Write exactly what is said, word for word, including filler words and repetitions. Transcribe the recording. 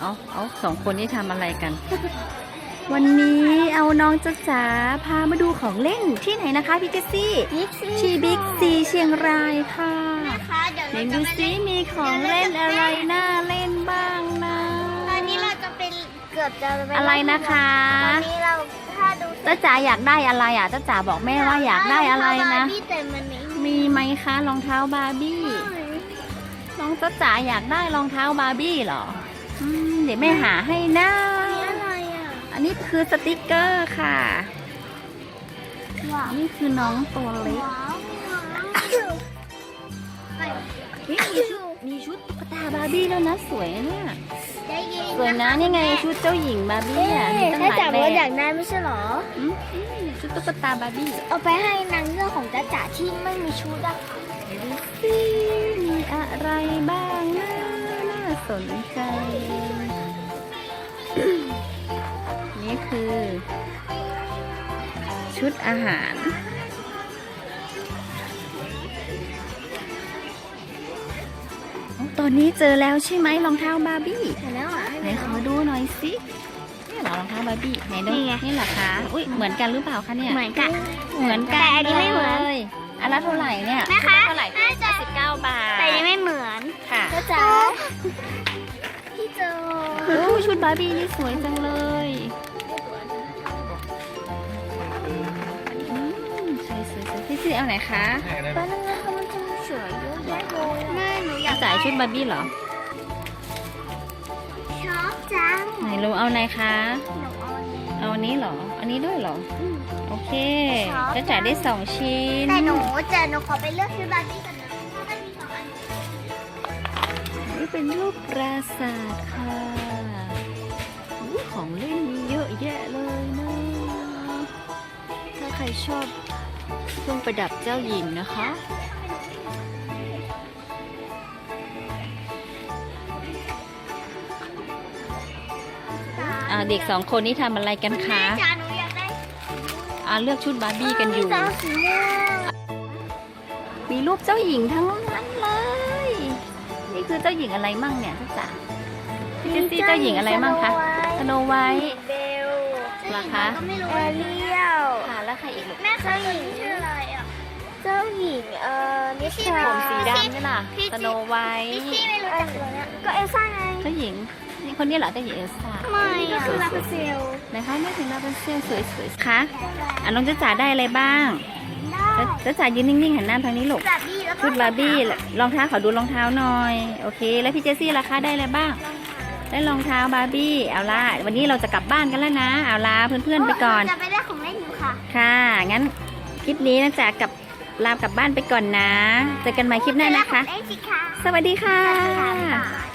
เอาเอาสองคนนี้ทำอะไรกัน วันนี้เอาน้องจ๊ะจ๋าพามาดูของเล่นที่ไหนนะคะพี่เจสซี่ที่บิ๊กซีเชียงรายค่ะไหนดูซิมีของเล่นอะไรน่าเล่นบ้างนะตอนนี้เราจะเป็นเกือบจะเป็นอะไรนะคะตอนนี้เราถ้าดูจ๊ะจ๋าอยากได้อะไรอ่ะจ๊ะจ๋าบอกแม่ว่าอยากได้อะไรนะมีไหมคะรองเท้าบาร์บี้น้องจ๊ะจ๋าอยากได้รองเท้าบาร์บี้เหรออืมเดี๋ยวแม่หาให้นะอันนี้คือสติกเกอร์ค่ะนี่คือน้องตัวเล็กมีชุดมีชุดตุ๊กตาบาร์บี้แล้วนะสวยเนี่ยสวยนะนี่ไงชุดเจ้าหญิงบาร์บี้อ่ะมีตั้งหลายแบบอยากได้ไม่ใช่หรอชุดตุ๊กตาบาร์บี้เอาไปให้นางเงือกของจ๊ะจ๋าที่ไม่มีชุดอะดูสิมีอะไรบ้างนะน่าสนใจนี่คือชุดอาหารตอนนี้เจอแล้วใช่ไหมรองเท้าบาร์บี้เห็นแล้วอ่ะไหนขอดูหน่อยสินี่เหรอรองเท้าบาร์บี้ไหนดูนี่เหรอคะอุ้ยเหมือนกันหรือเปล่าคะเนี่ยเหมือนกันเหมือนกันแต่อันนี้ไม่เหมือนอันละเท่าไหร่เนี่ยนะคะเท่าไหร่ห้าสิบเก้าบาทแต่ยังไม่เหมือนค่ะจ๊ะจ๋าพี่โจโอ้ชุดบาร์บี้นี่สวยจังเลยสวยสวยสวยพี่ซีเอาไหนคะตอนนั้นเขามันจะสวยเยอะแยะเลยแม่หนูอยากจ่ายชุดบาร์บี้เหรอชอบจังไหนลูกเอาไหนคะหนูเอาเอาอันนี้เหรออันนี้ด้วยเหรอโอเคจะจ่ายได้สองชิ้นแต่หนูจะหนูขอไปเลือกชุดบาร์บี้กันนะเพราะมันมีสองอันนี่เป็นรูปปราสาทค่ะของเล่นมีเยอะแยะเลยนะถ้าใครชอบเครื่องประดับเจ้าหญิงนะคะเด็กสองคนนี้ทำอะไรกันคะอ่าเลือกชุดบาร์บี้กันอยู่มีรูปเจ้าหญิงทั้งนั้นเลยนี่คือเจ้าหญิงอะไรมั่งเนี่ยจ๊ะพี่เจสซี่เจ้าหญิงอะไรมั่งคะสโนไวท์เบลราคาแอเรียลค่ะแล้วใครอีกลูกแม่เจ้าหญิงชื่ออะไรอ่ะเจ้าหญิงเอ่อนิชาผมสีดำนี่ล่ะสโนไวท์พี่ไม่รู้จักตัวเนี้ยก็เอลซ่าไงเจ้าหญิงนี่คนนี้เหรอเจ้าหญิงเอลซ่าไม่ก็คือลาเปเซลนะคะไม่ถึงลาเปเซลสวยๆคะอ่ะน้องจ๊ะจ๋าได้อะไรบ้างจ๊ะจ๋ายืนนิ่งๆหันหน้าทางนี้ลูกชุดบาร์บี้รองเท้าขอดูรองเท้าหน่อยโอเคแล้วพี่เจสซี่ล่ะคะได้อะไรบ้างได้รองเท้าบาร์บี้เอาล่ะวันนี้เราจะกลับบ้านกันแล้วนะเอาล่ะเพื่อนๆไปก่อนจะไปได้ของเล่นอยู่ค่ะค่ะงั้นคลิปนี้นะจ๊ะกับลากลับบ้านไปก่อนนะเจอกันใหม่คลิปหน้านะคะสวัสดีค่ะ